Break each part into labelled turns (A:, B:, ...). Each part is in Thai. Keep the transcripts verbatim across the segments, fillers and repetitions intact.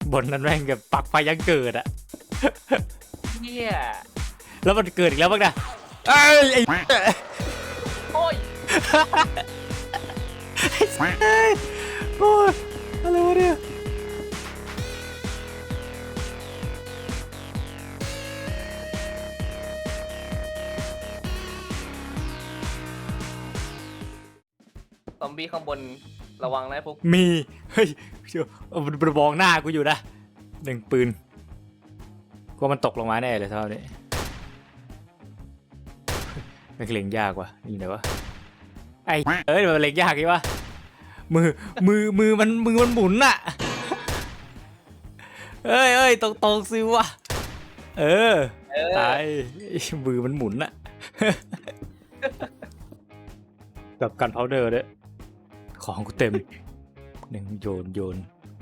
A: บนนั้นแม่งแบบปักไฟยังเกิดอะ
B: เนี่ย
A: แล้วมันเกิดอีกแล้วบ้างนะเอ้ยไอ้
B: โอ้ย
A: โอ้ยอะไรวะเนี่ย
B: ซอมบี้ข้างบนระวังนะพวก
A: มีเฮ้ยมันมองหน้ากูอยู่นะหนึ่งปืนกลัวมันตกลงมาแน่เลยเท่านี้มันเล็งยากว่ะนี่ไหนวะไอ้เอ้ยมันเล็งยากอีกวะมือมือมือมันมือมันหมุนอะเอ้ยเอ้ยตรงตรงซิวะเออตายมือมันหมุนอะกับกันพาวเดอร์ด้วยของกูเต็มหนึ่งโยนโยน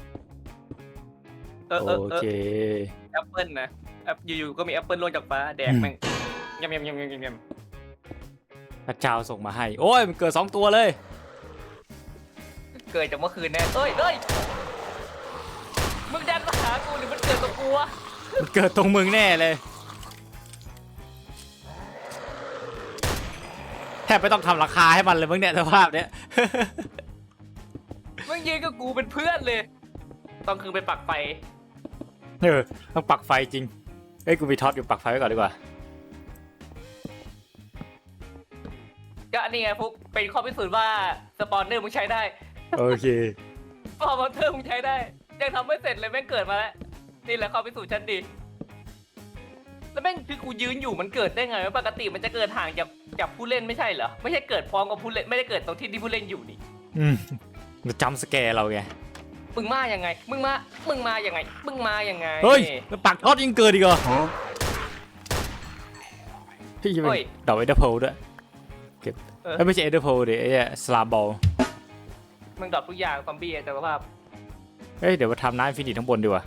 A: โอเค
B: แอปเปิลนะแอปอยู่ๆก็มีแอปเปิลลงจากฟ้าแดกแม่งยำยำยำยำยำ
A: พระเจ้าส่งมาให้โอ้ยมันเกิดสองตัวเลย
B: เกิดจากเมื่อคืนแน่เอ้ยเอ้ยมึงแดนมาหากูหรือมันเกิดกับกูวะ
A: มันเกิดตรงมึงแน่เลยแทบไม่ต้องทำราคาให้มันเลยมึงเนี่ยสภาพเนี้ย
B: มึงยืนกับกูเป็นเพื่อนเลยต้องคือไปปักไฟ
A: เออต้องปักไฟจริงเอ้ยกูมีท็อตอยู่ปักไฟไว้ก่อนดีกว่า
B: ก็อันนี้ไงพวกเป็นข้อพิสูจน์ว่าสปอนเนอร์มึงใช้ได้
A: โอเค
B: สปอนเนอร์มึงใช้ได้ยังทำไม่เสร็จเลยแม่งเกิดมาแล้วนี่แหละข้อพิสูจน์ชั้นดีแล้วแม่งคือกูยืนอยู่มันเกิดได้ไงปกติมันจะเกิดห่างจากจากผู้เล่นไม่ใช่เหรอไม่ใช่เกิดพร้อมกับผู้เล่นไม่ได้เกิดตรงที่ที่ผู้เล่นอยู่นี่
A: อืมมันจำสแกร์เราไง
B: มึงมาอย่างไงมึงมามึงมาอย่างไงมึงมาอย่างไง
A: เฮ้ยแล้วปักท็อตยังเกิดอีกเหรอพี่จะเป็นดอกเอเดอร์โพลด้วยเก็บไม่ใช่เอเดอร์โพลดิไอ้สลาบอล
B: มึงดรอปทุกอย่างซอมบี้แต่ว่า
A: เฮ้ยเดี๋ยวมาทำน้ำฟินิชทั้งบนดีกว่า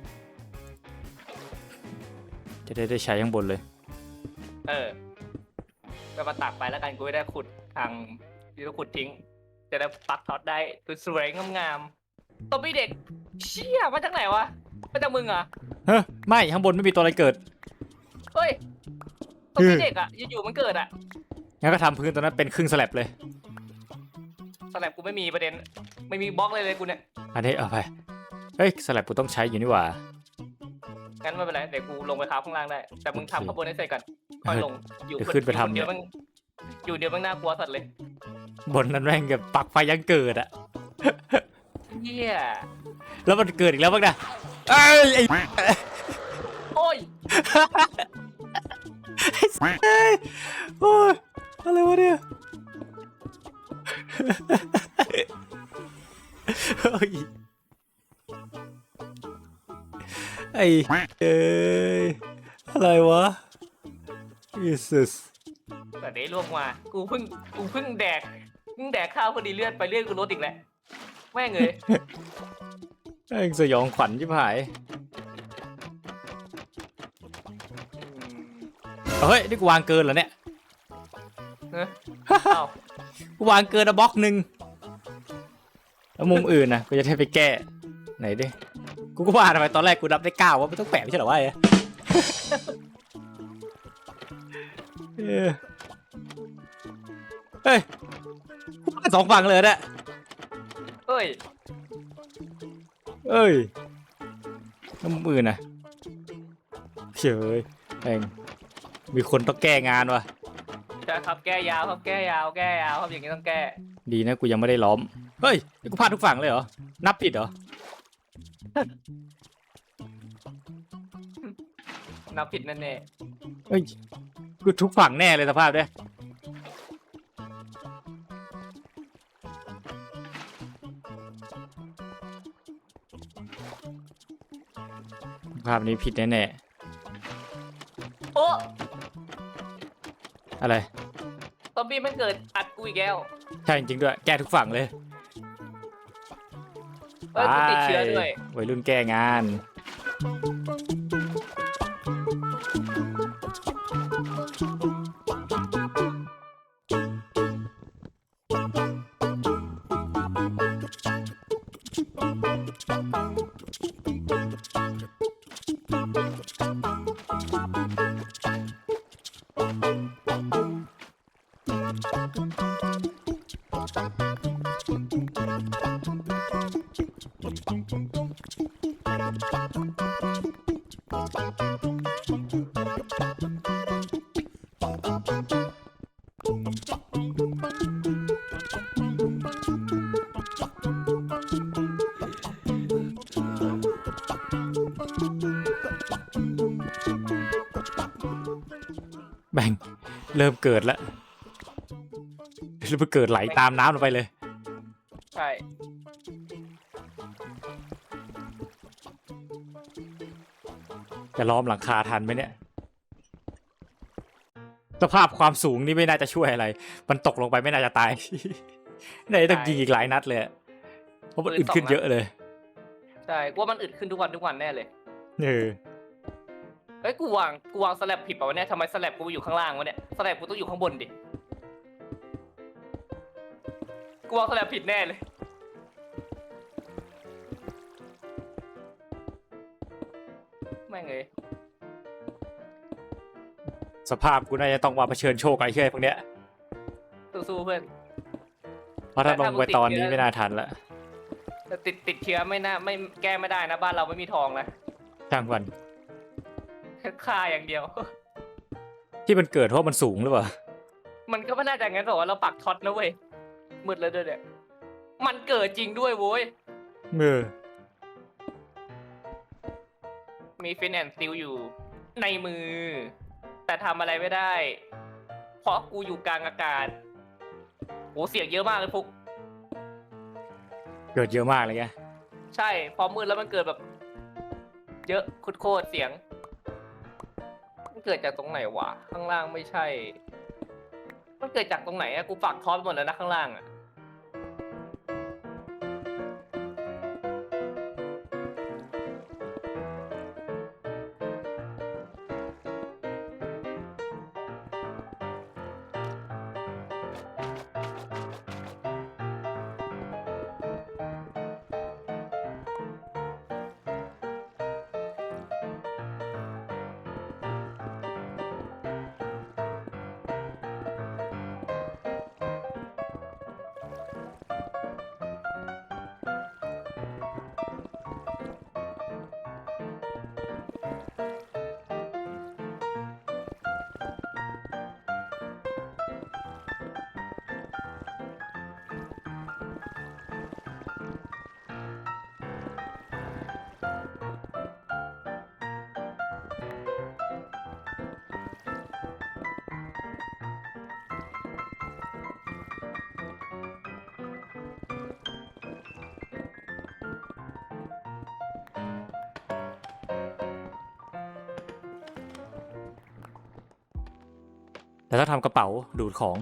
A: จะได้ได้ใช้ข้างบนเลย
B: เออก็มาตักไปแล้วกันกูได้ขุดทางที่เราขุดทิ้งจะได้ปักท็อตได้สวยๆงามๆซอมบี้เด็กเชี่ยมาจากไหนวะมาจากมึงเหรอ
A: เฮ้ยไม่ข้างบนไม่มีตัวอะไรเกิด
B: เฮ้ยซอมบี้เด็กอ่ะอยู่ๆมันเกิดอ่ะ
A: งั้นก็ทำพื้นตัวนั้นเป็นครึ่งสแลบเลย
B: สแลบกูไม่มีประเด็นไม่มีบล็อกเลยเลยกูเนี่ย
A: อันนี้เอาไปเฮ้ยสแลบกูต้องใช้อยู่นี่หว่า
B: งั้นไม่เป็นไรเดี๋ยวกูลงไปทับข้างล่างได้แต่มึงทำข้างบนให้เสร็จก่อนค่อยลง
A: อยู่ขึ้นไปทำ
B: เดี๋ยวมันอยู่เดี๋ยวมันน่ากลัวสัตว์เลย
A: บนนั้นแม่งกับปักไฟยังเกิดอะ
B: เหี้ย
A: แล้วมันเกิดอีกแล้วบ้างนะเอ้ยไอ้
B: โอ้ย
A: โอ้ยอะไรวะเนี่ยไอ้เอ้ยอะไรวะยิสุส
B: แต่เดี๋ยวล่วงมากูเพิ่งกูเพิ่งแดกเพิ่งแดกข้าวพอดีเลือดไปเลือดกูลดอีกแล้วแม่งเลย
A: แม่งสยองขวัญชิบหายเฮ้ยนี่กูวางเกินเหรอเนี่ยกูวางเกินอะบล็อกหนึ่งแล้วมุมอื่นนะกูจะให้ไปแก้ไหนดิกูก็ว่าทำไมตอนแรกกูนับได้เก้าว่าไม่ต้องแปะไม่ใช่หรอวะเฮ้ยสองฝั่งเลยเนี่ย
B: เฮ้ย
A: เอ้ยน้ำมือนะเฉยเองมีคนต้องแก้งานวะ
B: ใช่ครับแก้ยาวครับแก้ยาวแก้ยาวครับอย่างนี้ต้องแก้
A: ดีนะกูยังไม่ได้ล้อมเฮ้ยกูพลาดทุกฝั่งเลยเหรอนับผิดเหรอ
B: นับผิดแน่แน่
A: เฮ้ยกูทุกฝั่งแน่เลยสภาพเนี่ยภาพนี้ผิดแน่
B: ๆโอ้
A: อะไร
B: ซอมบี้มันเกิดอัดกูอีกแล้ว
A: ใช่จริงด้วยแก้ทุกฝั่งเลย
B: เอ้ยกูติดเชื้อด้วย
A: วัยรุ่นแก้งานแบ่งเริ่มเกิดแล้วเริ่มเกิดไหลตามน้ำลงไปเลย
B: ใช่
A: จะล้อมหลังคาทันไหมเนี่ยสภาพความสูงนี่ไม่น่าจะช่วยอะไร มันตกลงไปไม่น่าจะตาย ไหนต้องยิงอีกหลายนัดเลยอะเพราะมันอึดขึ้นเยอะเลย
B: ใช่กูว่ามันอึดขึ้นทุกวันทุกวันแน่เลย
A: เออ
B: เฮ้ยกูวางกูวางสแลบผิดป่าวะเนี่ยทำไมสแลบกูอยู่ข้างล่างวะเนี่ยสแลบกูต้องอยู่ข้างบนดิกูวางสแลบผิดแน่เลยแม่งเลย
A: สภาพกูน่าจะต้องมาเผชิญโชคไอ้เชี่ยพวกเนี้ย
B: สู้ๆเพื่อน
A: เพราะถ้าลงไปตอนนี้ไม่น่าทันละ
B: แต่ติดติดเชื้อไม่น่าไม่แก้ไม่ได้นะบ้านเราไม่มีทองนะ
A: ช่างวัน
B: ค่าอย่างเดียว
A: ที่มันเกิดเพราะมันสูงหรือเปล่า
B: มันก็ไม่น่าจะงั้นบอกว่าเราปักท็อตนะเว้ยมืดแล้วด้วยเนี่ยมันเกิดจริงด้วยโว้ย
A: เออ
B: มีฟินแอนซิลอยู่ในมือ แต่ทำอะไรไม่ได้ เพราะกูอยู่กลางอากาศโหเสียงเยอะมากเลยฟุก
A: เกิดเยอะมากเลยแก
B: ใช่พอมืดแล้วมันเกิดแบบ เยอะคุดโคตรเสียงมันเกิดจากตรงไหนวะข้างล่างไม่ใช่ มันเกิดจากตรงไหนอะกูปักท็อตหมดแล้วนะข้างล่างอะ
A: แต่ถ้าทำกระเป๋าดูดของ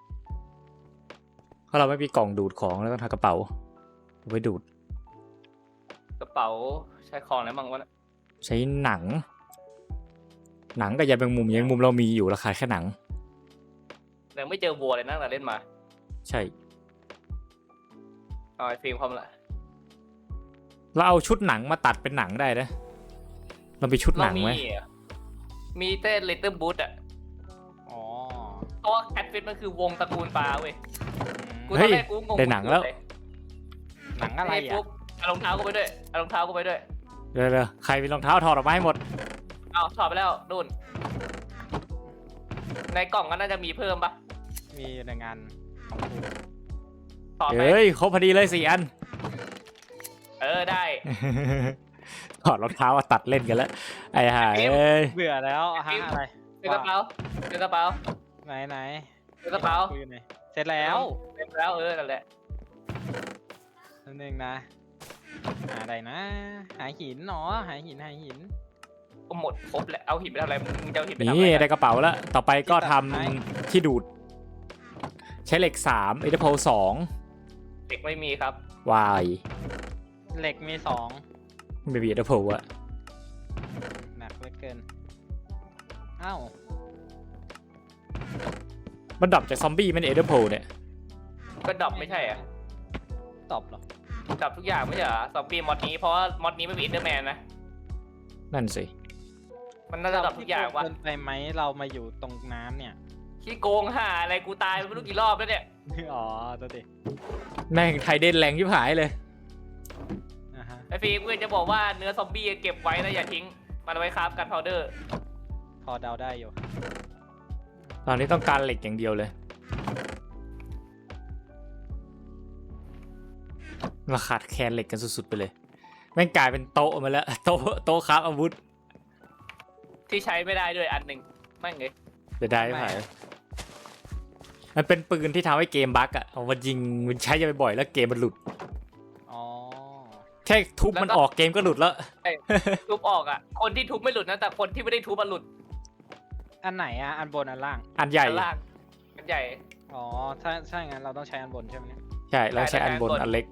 A: เพราะเราไม่มีกล่องดูดของแล้วก็ทำกระเป๋าเอาไว้ดูด
B: กระเป๋าใช้ของอะไรบ้างวะเนี่ย
A: ใช้หนัง หนังกับยาแมงมุมยาแมงมุมเรามีอยู่ราคาแค่หนัง
B: ยังไม่เจอวัวเลยนะแต่เล่นมา
A: ใช่
B: เอาไอ้ฟิล์มความละ
A: เราเอาชุดหนังมาตัดเป็นหนังได้นะเรามีชุดห
B: เรา
A: นัง
B: มี
A: ไหม
B: อะมีเต้นลิตเติ้ลบูธอะ
C: อ๋อ
B: เพราะว่าแคทฟิตมันคือวงตระกูลปลาเว้ยกูตอ
A: เฮ้
B: น
A: ย
B: แรกกูงง
A: ได้หนังแล้ว
C: หนังอะไร
B: ไอ้
C: อ่ะ
B: ปุ๊บเอารองเท้ากูไปด้วยเอารองเท้ากูไปด้วย
A: เร็วๆใครมีรองเท้าถอดออกมาให้หมด
B: เอาถอดไปแล้วนู่นในกล่องก็น่าจะมีเพิ่มปะ
C: มีในงานของกู
B: ถอดไป
A: เฮ้ยครบพอดีเลยสี่อัน
B: เออได้
A: ถอดรองเท้ามาตัดเล่นกันแล้วไอ้ห่าเอ้ย
C: เบื่อแล้วฮะอะไร
B: เจอกระเป๋าเจอกระเป๋า
C: ไหนไหน
B: เจอกระเป๋า
C: กูอยู่ไหนเสร็จแล้ว
B: เต็มแล้วเออนั่นแหละ
C: นั่นเองนะ หาอะไรนะ หาหินเนาะหาหินหาหิน
B: ก็หมดครบแล้วเอาหินไปทำอะไรมึงจะเอาหินไปทำอะ
A: นี่
B: ไร
A: ได้
B: กัน
A: กระเป๋าแล้วต่อไปก็ทำ
C: ที่ตัดไม้
A: ที่ดูด ใช้เหล็กสามเอเดโพสอง
B: เด็กไม่มีครับ
A: วาย
C: เหล็กมีสอง
A: ไม่มีเอเดโพอะ
C: หนักเหลือเกินอ้าว
A: มันดับจากซอมบี้มันเอเดโพเนี่ย
B: ก็ดรอปไม่ใช่อ่ะ
C: ตอบเหรอ
B: ดรอปทุกอย่างไม่ใช่เหรอซอมบี้มอดนี้เพราะว่ามอดนี้ไม่มีอินเตอร์แมนนะ
A: นั่นสิ
B: มันน่าจะดรอปทุกอย่างว่ะ
C: เกินไปไหมเรามาอยู่ตรงน้ำเนี่ย
B: ขี้โกงห่าอะไรกูตายไม่รู้กี่รอบแล้วเนี่ย
C: อ๋อตัวดิ
A: แม่งไทยเด่นแรงยิบหายเลย
C: อ่ะฮะ
B: ไอ้ฟีกูจะบอกว่าเนื้อซอมบี้เก็บไว้นะอย่าทิ้งมันเอาไว้คราฟกันพาวเดอร์
C: พอเดาได้อยู่
A: ตอนนี้ต้องการเหล็กอย่างเดียวเลยเราขาดแคลนเหล็กกันสุดๆไปเลยแม่งกลายเป็นโต๊ะมาแล้วโต๊ะโต๊ะครับอาวุธ
B: ที่ใช้ไม่ได้ด้วยอันหนึ่งไม่งเลย
A: จะได้ไหมมันเป็นปืนที่ทำให้เกมบั๊กอะเอามายิงมันใช้จะไปบ่อยแล้วเกมมันหลุด
C: อ๋อ
A: แค่ทุบมันออกเกมก็หลุดแล้ว
B: ทุบออกอ่ะคนที่ทุบไม่หลุดนะแต่คนที่ไม่ได้ทุบมันหลุด
C: อันไหนอ่ะ อันบนอันล่าง
A: อันใหญ่
B: อันล่างอันใหญ่
C: อ๋อ ถ้าถ้าอย่างนั้นเราต้องใช้อันบนใช่ไหมเนี่ย
A: ใช่แล้วใช้อันบน
B: ใช่
A: อันเล็ก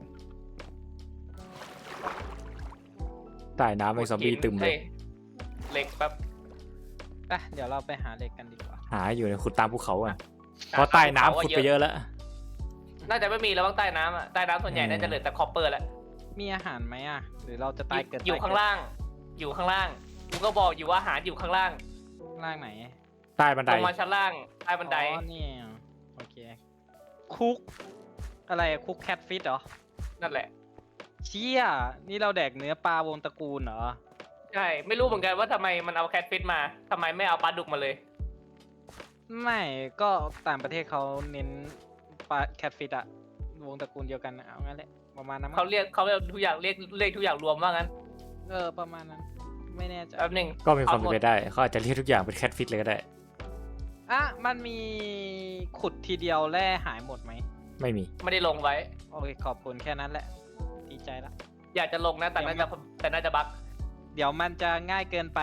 A: ใต้น้ำเป็นซอมบี้ตึมเลย
B: เหล็กแป๊บ
C: ไปเดี๋ยวเราไปหาเหล็กกันดีกว่า
A: หาอยู่ในขุดตามภูเขาอ่ะเพราะใต้น้ำขุดไปเยอะแล้ว
B: น่าจะไม่มีแล้วบ้างใต้น้ำอ่ะใต้น้ำส่วนใหญ่น่าจะเหลือแต่คอปเปอร์แหละ
C: มีอาหารไหมอ่ะ หรือเราจะตายเกิด
B: อยู่ข้างล่าง อยู่ข้างล่างกูก็บอกอยู่ว่าอาหารอยู่ข้างล่าง
C: ข้างล่างไหน
A: ใต้บันได
B: ลงมาชั้นล่างใต้บันได
C: อ๋อนี่โอเค คุก อะไรอะคุกแคทฟิตเหรอ
B: นั่นแหละ
C: เชี่ย นี่เราแดกเนื้อปลาวงตระกูลเหรอ
B: ใช่ไม่รู้เหมือนกันว่าทำไมมันเอาแคทฟิตมาทำไมไม่เอาปลาดุกมาเลย
C: ไม่ก็ต่างประเทศเขาเน้นปลาแคทฟิตอะวงตระกูลเดียวกันอะเอางั้นแหละประมาณนั้นมั้ง
B: เขาเรียกเขาเรียกทุกอย่างเรียกเรียกทุกอย่างรวมว่างั้น
C: เออประมาณนั้น ไม่แน่ใจ
B: แป๊บหนึง
A: ก็มีความเป็นไปได้เขาอาจจะเรียกทุกอย่างเป็นแคทฟิตเลยก็ได้
C: อ่ะมันมีขุดทีเดียวแร่หายหมดไหม
A: ไม่มี
B: ไม่ได้ลงไว้
C: โอเคขอบคุณแค่นั้นแหละดีใจละ
B: อยากจะลงนะแต่น่าจะแต่น่าจะบั๊ก
C: เดี๋ยวมันจะง่ายเกินไป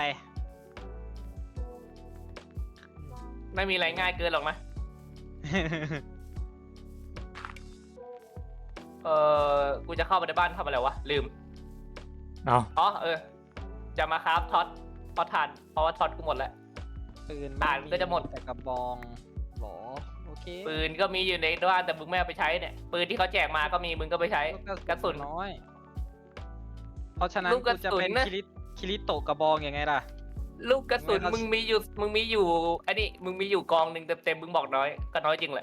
B: ไม่มีอะไรง่ายเกินหรอกนะเออกูจะเข้าไปในบ้านทำอะไรวะลืม
A: เอา
B: อ๋อเออจะมาครับท็อตท็อตทานเพราะว่าท็อตกูหมดแล้ว
C: ปืน
B: อ่านก็จะหมด
C: แต่กระบองหรอโอเค
B: ปืนก็มีอยู่ในบ้านแต่มึงไม่เอาไปใช้เนี่ยปืนที่เขาแจกมาก็มีมึงก็ไปใช้กระสุน
C: น้อย เพราะฉะนั้น
B: ลูกกระ
C: กูจะ
B: สุน
C: เป็น
B: นะ
C: คิริคิริโตะกระบองยังไงล่ะ
B: ลูกกระสุน
C: ไม่เขามึ
B: มึงมีอยู่มึงมีอยู่อันนี้มึงมีอยู่กองหนึ่งเต็มๆมึงบอกน้อยก็น้อยจริงแหละ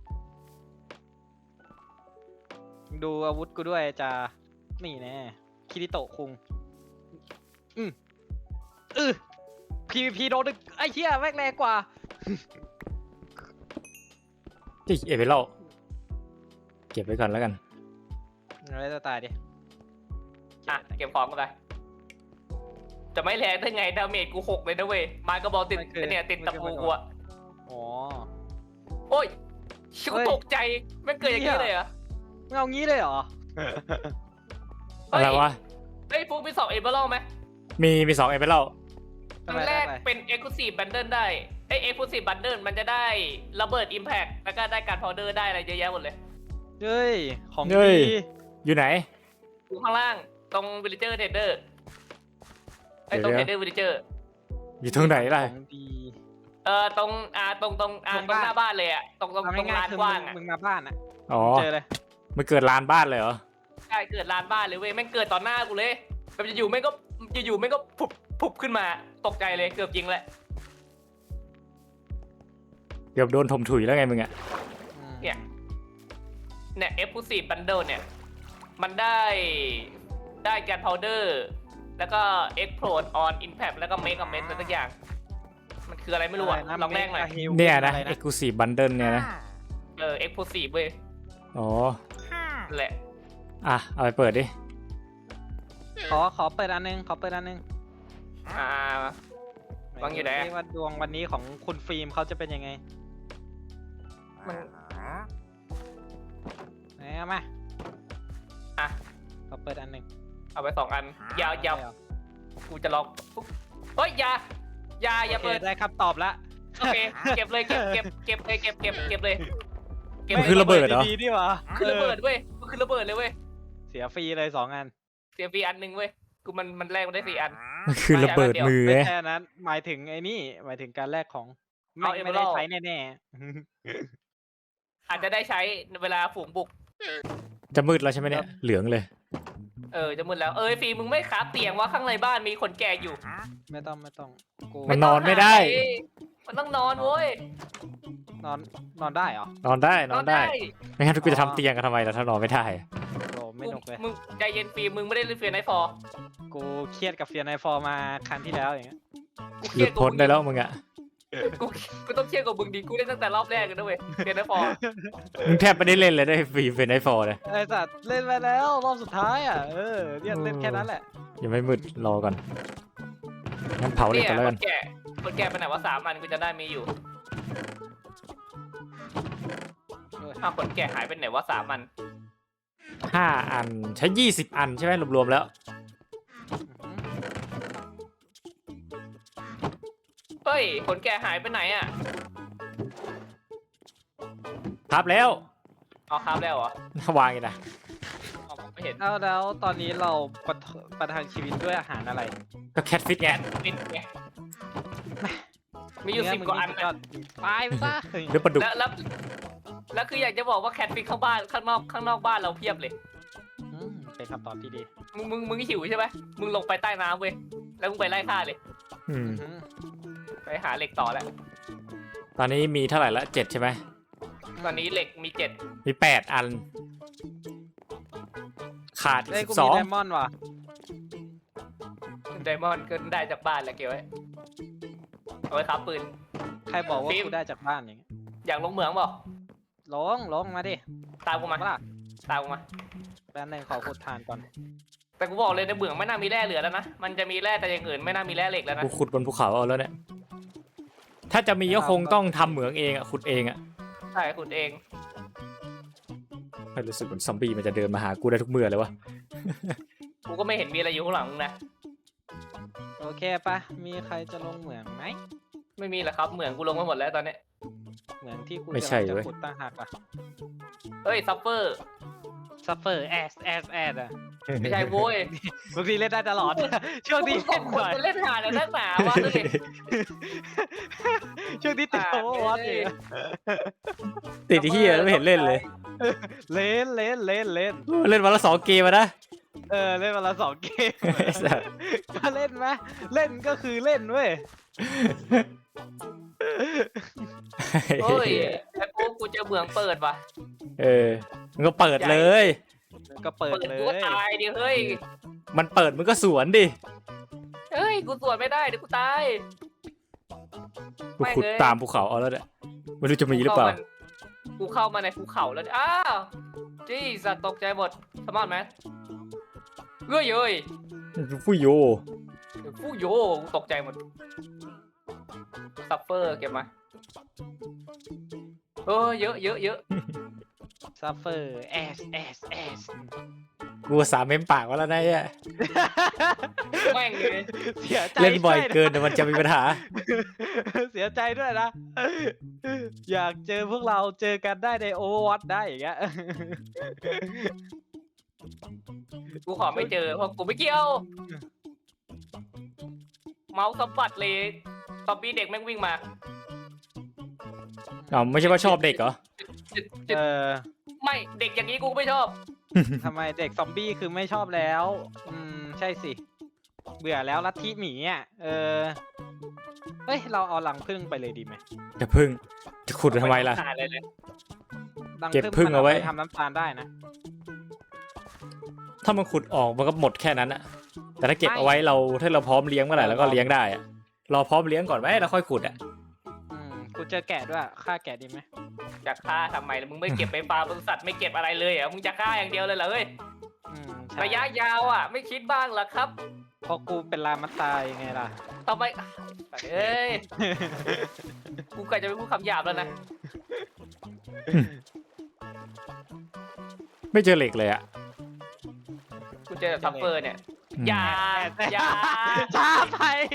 C: ดูอาวุธกูด้วยจะนี่แน่คิริโตะคุงอืมอือ พี วี พี โดนดึกไอ้เหี้ยแม่งแรงกว่า
A: ที่เอเวลเก็บไว้ก่อนแล้วกัน
C: อะไรจะตายดิ
B: อ่ะเก็บของกันไปจะไม่แรงได้ไงดาเมจกูหกเลยนะเว้ยไม้กระบอกติดเนี่ยติดตะปูกูอะ
C: อ๋อ
B: โอ้ยชิบตกใจไม่เกิดอย่างนี้เลยเหรอ
C: มึงเอางี้เลยเหรอ
B: เฮ้
A: อะ
B: ย
A: ไรวะ
B: เฮ้ยฟูมีสองเอเบอร์ไหม
A: มีมีสองเอเวล
B: อันแรกเป็น Exclusive Bundle ได้ไอ้ Exclusive Bundle มันจะได้ระเบิด Impact แล้วก็ได้การพาวเดอร์ได้อะไรเยอะแยะหมดเลย
C: เฮ้ย ของ
A: เฮ้ย
C: ดี
A: อยู่ไหน
B: อยู่ข้างล่างตรง Villager Trader ไอ้ตรง
A: เดี๋ยว
B: Trader Villager
A: อยู่ตรงไหนล่ะ
C: ของดี
B: เอ่อตรงอ่าตรงตรงอ่า
C: ตรง
B: ตรง
C: บ้าน
B: หน้าบ้านเลยอ่ะตรงตรง
C: เอา
B: ตรง
C: ง่าย
B: ลาน
C: ๆคือก
B: ว้าง
C: มึง
B: อ่ะ
C: มึงมาบ้านอ่ะ
A: อ๋อ
C: เจอเลย
A: มันเกิดลานบ้านเลยเหรอ
B: ใช่เกิดลานบ้านเลยเว้ยแม่งเกิดต่อหน้ากูเลยแบบจะอยู่แม่งก็จะอยู่แม่งก็ผุบผุบขึ้นมาตกใจเลยเกือบยิงแหละ
A: เกือบโดนถมถุยแล้วไงมึงอะ
C: อืม
B: เนี่ย เนี่ย Exclusive Bundle เนี่ย มันได้ได้การพาวเดอร์แล้วก็ Explode on Impact แล้วก็ Make a Mess อะไรสักอย่าง มันคืออะไรไม่รู้อ่ะ
C: ะ
B: ลองแรกหน่อย
C: เมกะฮิล
A: เนี่ยนะ
C: อไร
A: Exclusive Bundle เนี่ยนะ
B: เออ Exclusive เว้ย
A: อ๋อ
B: นั่นแหละ
A: อ่ะ เอาไปเปิดดิ
C: ขอขอเปิดอันนึงขอเปิดอันนึง
B: อ่า วางอยู่ไหนอะ
C: ว่าดวงวันนี้ของคุณฟิล์มเขาจะเป็นยังไง
B: มัน
C: ไหนเอามา
B: อ่ะ
C: ขอเปิดอันนึง
B: เอาไปสองอัน ยาวยาว
C: ได้เหรอ
B: กูจะลองปุ๊บเฮ้ยอยาอยาอย่า
C: โอเค
B: เปิด
C: ได้คำตอบละ
B: โอเค เก็บเลยเก็บเก็บเก็บเลยเก็บเก็บเก็บเลยเก็บ
A: มันคือระเบิดเหรอ
C: ดีๆดีวะ
B: คือระเบิดเว้ยมันคือระเบิดเลยเว้ย
C: เสียฟรีเลยสองอัน
B: เสียฟรีอันหนึ่งเว้ย กูมันมันแรกมันได้สี่อัน
A: มันคือระเบิดมือ
C: ไม่
A: ไง
C: แค่นั้น หมายถึงไอ้นี่ หมายถึงการแลกของ ไม่
B: เอา
C: ไม่ได้
B: Emerald
C: ใช้แน่
B: อาจจะได้ใช้เวลาฝูงบุก
A: จะมืดแล้วใช่ไหมเนี่ย เหลืองเลย
B: เออจะมึนแล้ว เอ้ยฟีมึงไม่คราฟเตียงว่าข้างในบ้านมีคนแก่อยู่
C: ๆ ไม่ต้องไม่ต้องกู
A: มันนอนไม่ได้
B: มันต้องนอนเว้ย
C: นอนนอนได้เหรอ
A: นอนได้ นอนได้ ไม่งั้นกูจะทำเตียงกันทำไมล่ะถ้านอนไม่ได้
C: โอ้ไม่หนุกเลย
B: มึงใจเย็นฟิล์มมึงไม่ได้เล่นเฟียร์ไนท์ฟอร์
C: กูเครียดกับเฟียร์ไนฟอร์มาครั้งที่แล้วอย่างเงี้ย
B: กูเค
A: ห
B: รี
A: ลุ
B: ยด
A: ด
B: กับ
A: พ้น
B: มึง
A: ได้แล้วมึงอะ
B: กูกูต้องเครียดกับมึงดิกูเล่นตั้งแต่รอบแรกเลยนะเว้ยเฟียร์ไนท์ฟอร์
A: มึงแทบไม่ได้เล่นเลยได้ฟรีเป็นไอฟอร์เลย
C: ไอ้สัตว์เล่นไปแล้วรอบสุดท้ายอ่ะเออเนี่ยเล่นแค่นั้นแหละ
A: ยังไม่มืดรอก่อนงั้นเผาเหล็ก
B: เนี่ย
A: กันแล้ว
B: ค
A: กัน
B: นแก่คนแก่ไปไหนว่าสามอันกูจะได้มีอยู่อ้าวคนแก่หายไปไหนว่าสามอัน
A: ห้าอันใช้ยี่สิบอันใช่ไหมรวมๆแล้ว
B: เฮ้ยคนแก่หายไปไหนอ่ะ
A: ครับแล้ว
B: เอาครับแล้วเหรอ
A: วางอีกนะ
B: เอาผมไม่เห็น
C: แล้วแล้วตอนนี้เราประทประทังชีวิตด้วยอาหารอะไร
A: ก็แคทฟิตไง
B: ปิดไงมีอยู่สิบกว่าอัน
C: ย
B: นะ
C: ดตายไปซะ
A: หรือปลาดุก
B: แล้วแล้วแล้วคืออยากจะบอกว่าแคทฟิกข้างบ้านข้างนอกข้างนอกบ้านเราเพียบเลย
C: อืมเป็นคำตอบที่ดี
B: มึงมึงมึงหิวใช่ไหมมึงลงไปใต้น้ำเว้ยแล้วมึงไปไล่ฆ่าเลย
A: อืม
C: อืม
B: ไปหาเหล็กต่อแล้ว
A: ตอนนี้มีเท่าไหร่ละเจ็ดใช่ไหม
B: ตอนนี้เหล็กมีเจ็ด
A: มีแปดอัน ขาดอีก
C: เอ้ย
A: สิ
C: กู
A: บส
C: มี
A: อง
C: ไดมอนด์ว่ะ
B: ไดมอนด์ก็ได้จากบ้านแหละเก็บไว้เอาไว้ครับปืน
C: ใครบอกว่า
B: ฟิล์ม
C: กูได้จากบ้านอย่างเงี้ย
B: อยากลงเหมืองเปล่า
C: ลงลงมาดิ
B: ตามกูมา
C: มาล่ะ
B: ตามกูมา
C: แป๊บนึงขอขุดทานก่อน
B: แต่กูบอกเลยในเหมืองไม่น่ามีแร่เหลือแล้วนะมันจะมีแร่แต่อย่างอื่นไม่น่ามีแร่เหล็กแล้วนะ
A: กูขุดบนภูเขาเอาแล้วเนี่ย ถ้าจะมีก็คงต้องทำเหมืองเองอ่ะขุดเองอ่ะ
B: ใช่ขุดเอง
A: ไม่รู้สึกเหมือนซอมบี้มันจะเดินมาหากูได้ทุกเมื่อเลยวะ
B: กูก็ไม่เห็นมีอะไรอยู่ข้างหลังมึงนะ
C: โอเคปะมีใครจะลงเหมืองไหม
B: ไม่มีแหละครับเหมืองกูลงมาหมดแล้วตอนเนี้ย
C: เหมืองที่กู
A: ไม่ใช่
C: กำลัง
A: เว้
C: จะ
A: ย
C: ขุดตั้งหักอ่ะ
B: เฮ้ยซัฟเฟอร์
C: ซัฟเฟอร์แอสแอสแอสอ่ะ
B: ไม่ใช่โว้ย
C: บางทีเล่นได้ตลอด ช่วงนี้
B: สอ
C: เล่
B: ง
C: น
B: ค
C: ห
B: น
C: น่อย
B: จะเล่นหาในนักหนาวะดูดิ
C: ช่วงนี้ติดโอเวอร์วอตอยู่
A: ติดไอ้เฮียแล้วไม่เห็นเล่นเลย
C: เล่นเล่นเล่นเล่น
A: เล่นวันละสองเกมอะนะ
C: เออเล่นวันละสองเกม
A: ไอ้สัส
C: ก็เล่นไหมเล่นก็คือเล่นเว้ย
B: โอ้ยไอ้กูกูเจอเหมืองเปิดว่ะ
A: เออมึงก็เปิดเลย
C: ก็เปิด
B: เปิด
C: เล
B: กูก็
C: ย
B: ตายดิเฮ้ย
A: มันเปิดมึงก็สวนดิ
B: เฮ้ยกูสวนไม่ได้เดี๋ยวกูตาย
A: กูขุด
B: ไม่เลย
A: ตามภูเขาเอาแล้วเนี่ยไม่รู้จะมีหรือเปล่า
B: กูเข้ามาในภูเขาแล้วอ้าวจี้สัตว์ตกใจหมดสมอนไหมเฮ้ยเฮ้ย
A: ฟูโย
B: ฟูโยกูตกใจหมดซัฟเฟอร์เก็บมาเออเยอะเยอะเยอะ
C: ซัฟเฟอร์แอสแอสแอส
A: กูสามเมมปากไว้แล้วนะเนี่ย
B: แม่งเลย
C: เสียใจ
A: เล่นบ่อย
C: ด้วยะ
A: เกินเดี๋ยวมันจะมีปัญหา
C: เสียใจด้วยนะ อยากเจอพวกเราเจอกันได้ในโอเวอร์วอตได้อย่างเงี้ย
B: กูขอไม่เจอเพราะกูไม่เกี่ยว เมาส์สะบัดเลยตอมบี้เด็กแม่งวิ่งมา
A: อ๋อไม่ใช่ว่าชอบเด็กเหรอ
B: จุดจุด
C: เออ
B: ไม่เด็กอย่างนี้กูก็ไม่ชอบ
C: ทำไมเด็กซอมบี้คือไม่ชอบแล้ว อืม ใช่สิ เบื่อแล้วลัทธิหมีอ่ะ เออ เฮ้ย เราเอารังผึ้งไปเลยดีไหม
A: จะพึ่งจะขุดทำไมล่ะ
B: หาเลยเลย
C: รัง
A: เก็บผึ้ง
C: มัน
A: เอาไว้
C: ปทำน้ำตาลได้นะ
A: ถ้ามันขุดออกมันก็หมดแค่นั้นอะแต่ถ้าเก็บ
C: ไม่
A: เอาไว้เราถ้าเราพร้อมเลี้ยงเมื่อไหร่เราก็เลี้ยงได้อะรอพร้อมเลี้ยงก่อนไหมแล้วค่อยขุดอะ
C: อืม กูเจอแกะด้วยฆ่าแกะดีไหม
B: จะฆ่าทำไมล่ะมึงไม่เก็บไปฟาร์มบริษัทไม่เก็บอะไรเลยเหรอมึงจะฆ่าอย่างเดียวเลยเหรอเฮ้ย
C: อืมใช่
B: ระยะยาวอ่ะ ไม่คิดบ้างเหรอครับ
C: เพราะกูเป็นลามาตายไงล่ะ
B: ทำไมเอ้ยกูกะจะไปพูดคำหยาบแล้วนะ
A: ไม่เจอเหล็กเลยอะ
B: กูเจอทัฟเฟอร์เนี่ยอย่าอย่า
C: ช้าไป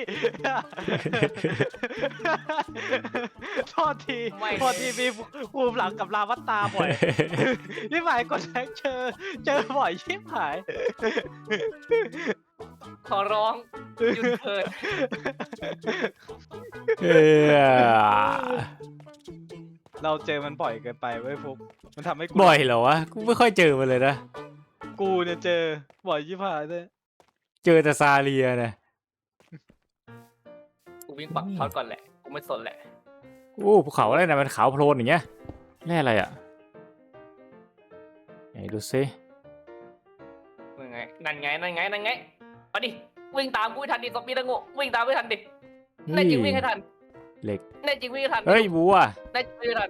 C: โทษที
B: ไม่
C: โทษทีมีภูมิหลังกับลาวัตตาบ่อย นี่หมายกดแท็กเจอ เจอบ่อยชิบหาย
B: ขอร้องหยุดเถิด
A: เออ
C: เราเจอมันบ่อยเกินไปเว้ยฟุกมันทำให้กู
A: บ่อยเหรอวะกูไม่ค่อยเจอมันเลยนะ
C: กูเนี่ยเจอบ่อยชิบหายเลย
A: เจอแต่ซาเลียนะ
B: กูวิ่งปักทอดก่อนแหละกูไม่สนแหละ
A: โอ้ภูเขาอะไรนะมันขาวโพลนอย่างเงี้ยแร่อะไรอะไหนดูซิ
B: นั่นไงนั่นไงนั่นไงเอาดิวิ่งตามกูให้ทันดิซอมบี้ตะโง่วิ่งตามไม่ทันดิแน่จริงวิ่งให้ทัน
A: เหล็ก
B: แน่จริงวิ่งให้ทัน
A: เฮ้ยวัว
B: แน่จริงวิ่งให้ทัน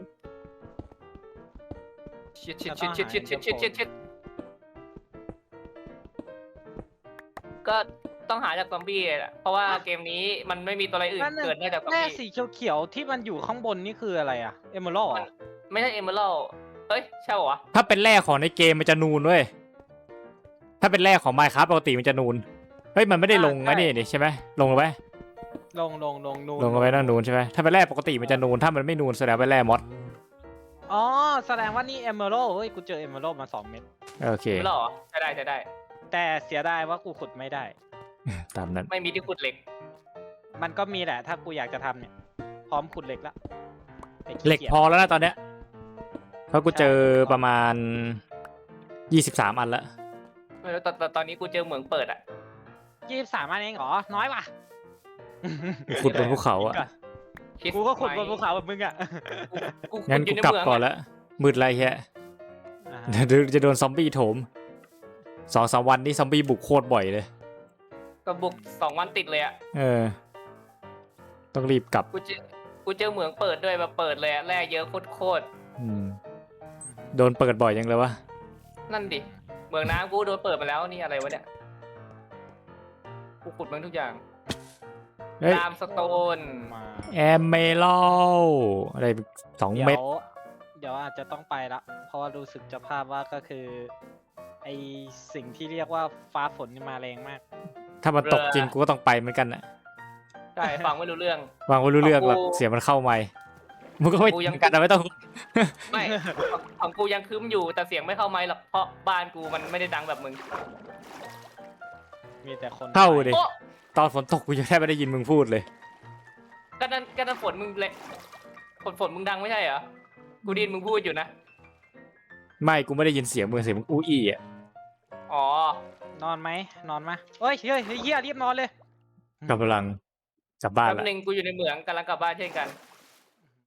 B: ชิดชิดชิดชิดชิดชิดชิดชิดชิดก็ต้องหาจากซอมบี้แหละเพราะว่าเกมนี้มันไม่มีตัวอะไรอื่น
C: นั่นน่ะ
B: เกิดได้จากซอม
C: แร่
B: บี้
C: สีเขียวๆที่มันอยู่ข้างบนนี่คืออะไรอะเอเมอรัลด์
B: ไม่ใช่เอเมอรัลเอ้ยใช่เหรอวะ
A: ถ้าเป็นแร่ของในเกมมันจะนูนเว้ยถ้าเป็นแร่ของ Minecraft ปกติมันจะนูนเฮ้ยมันไม่ได้ลงไอ้นี่นี่ใช่ไหมลงลงไป
C: ลงลงลงนูน
A: ลงลงไปนั่นนูนใช่ไหมถ้าเป็นแร่ปกติมันจะนูนถ้ามันไม่นูนแสดงเป็นแร่มอส
C: อ๋อแสดงว่านี่เอเมอรัลด์เฮ้ยกูเจอเอเมอรัลด์มาสองเม็ด
A: โอเค
B: เอเมอรัลเหรอใช่ได้ใช่ได้
C: แต่เสียดายว่ากูขุดไม่ได้
A: ตามนั้น
B: ไม่มีที่ขุดเหล็ก
C: มันก็มีแหละถ้ากูอยากจะทำเนี่ย พร้อมขุดเหล็กแล้วแต่ขี้
A: เหล็ก
C: กียจ
A: พอแล้วนะตอนเนี้ยเพราะกูเจอประมาณยี่สิบสามอันละ
B: ไม่รู้ตอนตอนตอนนี้กูเจอเหมืองเปิดอ่ะ
C: ยี่สิบสามอันเองเหรอ น้อยว่ะ
A: ขุดบนภูเขาอ่ะ
B: คิด
C: กูก็ขุดบ
B: ไหม
C: นภูเขาแบบมึงอ่ะ
B: กู
A: งั้น
B: ขุ
A: กู
B: ดอยู่ใน
A: กลับ
B: เมือง
A: ก่อน
B: อะ
A: ละมืดไรแฮะ
C: อ่า
A: เดี๋ยวจะโดนซอมบี้โถมสองสามวันนี้ซอมบี้บุกโคตรบ่อยเลย
B: ก็บุกสองวันติดเลยอ่ะ
A: เออ ต้องรีบกลับ
B: กูเจอกูเจอเหมืองเปิดด้วยแบบเปิดเลยอะแร่เยอะโคตร
A: อืมโดนเปิดบ่อยยังเลยวะ
B: ๆนั่นดิเหมืองน้ำกูโดนเปิดมาแล้วนี่อะไรวะเนี่ยกูขุดมันทุกอย่าง
A: เฮ้ย
B: ตามสโตน
C: มา
A: แอมเมลอะไรสอง
C: เดี๋
A: เม็ด
C: ยวเดี๋ยวอาจจะต้องไปละ เพราะว่ารู้สึกจะภาพว่าก็คือ ไอสิ่งที่เรียกว่าฟ้าฝนนี่มาแรงมาก
A: ถ้ามันตกจริงกูก็ต้องไปเหมือนกันนะ
B: ใช่ฟังไม่รู้เรื่อง
A: วางไว้รู้เรื่อง
B: ของกู
A: แบบเสียงมันเข้าไม่มึงก็ไม่
B: กู
A: ยั
B: ยัง ง
A: กันนะไม่ต้อง
B: ไม่ของของกูยังคืมอยู่แต่เสียงไม่เข้าไมค์หรอกเพราะบ้านกูมันไม่ได้ดังแบบมึง
C: มีแต่คน
A: เข้าดิ
B: โอ้
A: ตอนฝนตกกูยังแทบไม่ได้ยินมึงพูดเลย
B: ก็นั่นก็นั่นฝนมึงเลยฝนฝนมึงดังไม่ใช่เหรอกูไดยินมึงพูดอยู่นะ
A: ไม่กูไม่ได้ยินเสียงมึงเสียงมึงอู้อี้อ่ะ
B: อ๋อน
C: อนไหมนอนมาเฮ้ยเฮ้ยเฮ้ยเฮียรีบนอนเลย
A: กำลังกลับบ้าน
B: แป๊บ
A: ละ
B: นึงกูอยู่ในเหมืองกำลังกลับบ้านเช่นกัน